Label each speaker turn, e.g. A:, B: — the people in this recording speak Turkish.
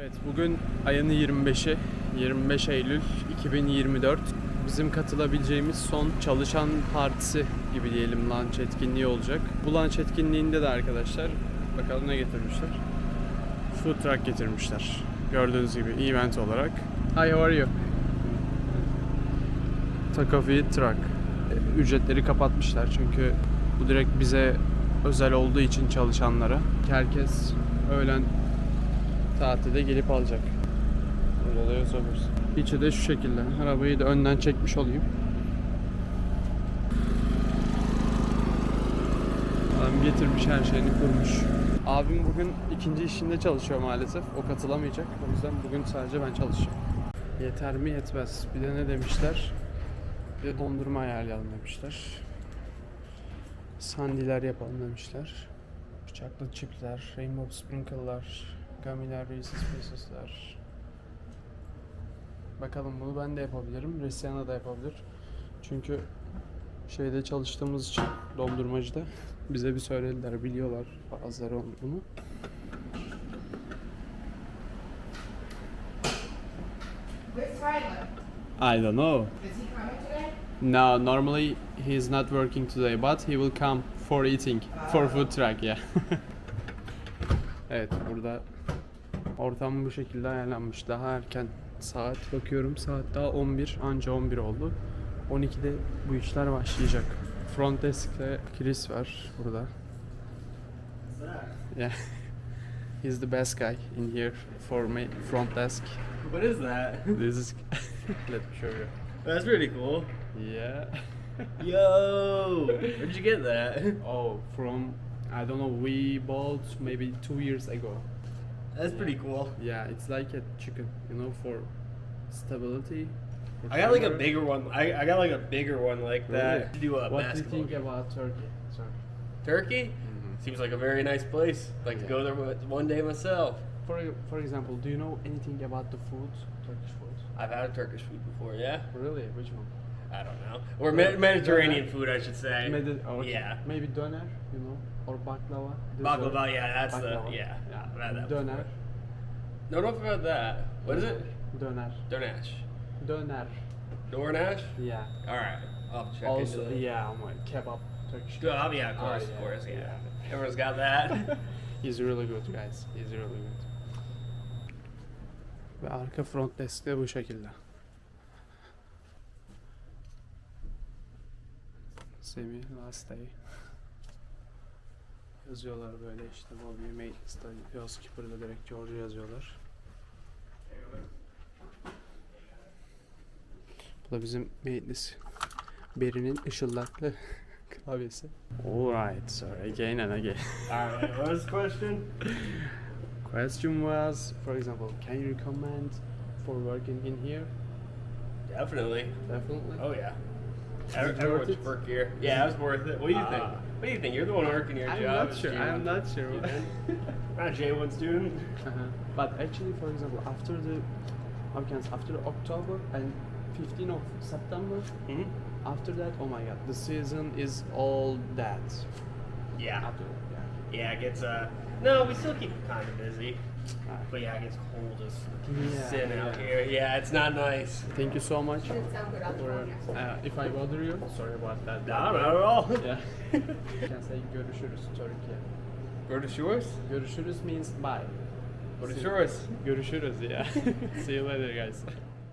A: Evet, bugün ayın 25'i, 25 Eylül 2024. Bizim katılabileceğimiz son çalışan partisi gibi diyelim, lunch etkinliği olacak. Bu lunch etkinliğinde de arkadaşlar bakalım ne getirmişler. Food truck getirmişler. Gördüğünüz gibi event olarak. Hi, how are you? Taco Feed Truck. Ücretleri kapatmışlar çünkü bu direkt bize özel olduğu için çalışanlara. Herkes öğlen tatilde gelip alacak. Burada da yazıyoruz. İçi de şu şekilde. Arabayı da önden çekmiş olayım. Adam getirmiş, her şeyini kurmuş. Abim bugün ikinci işinde çalışıyor maalesef. O katılamayacak. O yüzden bugün sadece ben çalışacağım. Yeter mi yetmez. Bir de ne demişler? Bir de dondurma ayarlayalım demişler. Sandiler yapalım demişler. Chocolate chipsler, rainbow sprinkle'lar, gummiler, Reese's Pieces'ler. Bakalım, bunu ben de yapabilirim. Resiana da yapabilir. Çünkü şeyde çalıştığımız için, dondurmacıda bize bir söylediler, biliyorlar bazıları bunu.
B: Where's Tyler?
A: I don't know.
B: Is he coming today?
A: No, normally he's not working today, but he will come for eating, for food truck, yeah. Evet, burada ortam bu şekilde ayarlanmış. Daha erken saat bakıyorum, saat daha 11, anca 11 oldu. 12'de bu işler başlayacak. Front desk'te Chris var burada. Yeah. He's the best guy in here for me, front desk.
C: What is that?
A: This is let me show you.
C: That's pretty cool.
A: Yeah.
C: Yo, where'd you get that?
A: Oh, from, I don't know, we bought maybe 2 years ago.
C: That's pretty cool.
A: Yeah, it's like a chicken, you know, for stability. for
C: I got like a
A: fiber.
C: bigger one. I got like a bigger one like that.
A: Really?
C: To do a
A: What do you
C: basketball
A: think
C: game.
A: about Turkey? Sorry.
C: Turkey? Seems like a very nice place. Like to go there one day myself.
A: For example, do you know anything about the food, Turkish food?
C: I've had Turkish food before, yeah?
A: Really? Which one?
C: I don't know. Or Mediterranean food, I should say.
A: Okay.
C: Yeah.
A: Maybe döner, you know, or baklava. Dessert.
C: Baklava, yeah, that's
A: Baklava.
C: the, yeah. I've had that
A: Döner.
C: before. No, don't forget that. What is it?
A: Döner.
C: Dornash.
A: Döner.
C: Dornash?
A: Yeah.
C: Alright, I'll check
A: Also,
C: into that.
A: yeah, oh my, kebab, Turkish.
C: Good, oh, yeah, of
A: Oh,
C: course,
A: yeah.
C: yeah. Everyone's got that.
A: He's really good guys. He's really good. Ve arka front desk de bu şekilde. Semi last day. Yazıyorlar böyle işte, Bobby Maintenance'da, Housekeeper'da direkt George yazıyorlar. Bu da bizim maintenance Beri'nin ışıldaklı klavyesi. Alright, so again and again.
C: Alright, what was the question?
A: Question was, for example, can you recommend for working in here?
C: Definitely.
A: Definitely.
C: Oh yeah.
A: it worth
C: Everyone's
A: it?
C: work here. Yeah, it was worth it. What do you think?
A: Ah.
C: What do you think? You're the one working your
A: I'm
C: job.
A: not sure. I'm not sure.
C: You think? Not a J1 student.
A: But actually, for example, after the after October and 15th of September,
C: Mm-hmm.
A: after that, oh my God, the season is all that.
C: Yeah.
A: After that, yeah.
C: Yeah, it gets no, we still keep it kind of busy.
A: Ah.
C: But yeah, it gets cold as
A: Yeah,
C: sin out
A: yeah.
C: here. Yeah, it's not nice.
A: Thank you so much.
B: Didn't sound good on the phone yesterday.
A: If I bother you, sorry about that.
C: No, not at all.
A: Yeah. You can say görüşürüz Turkey.
C: Go to shores?
A: Görüşürüz means bye.
C: Go to shores.
A: Görüşürüz, yeah. See you later, guys.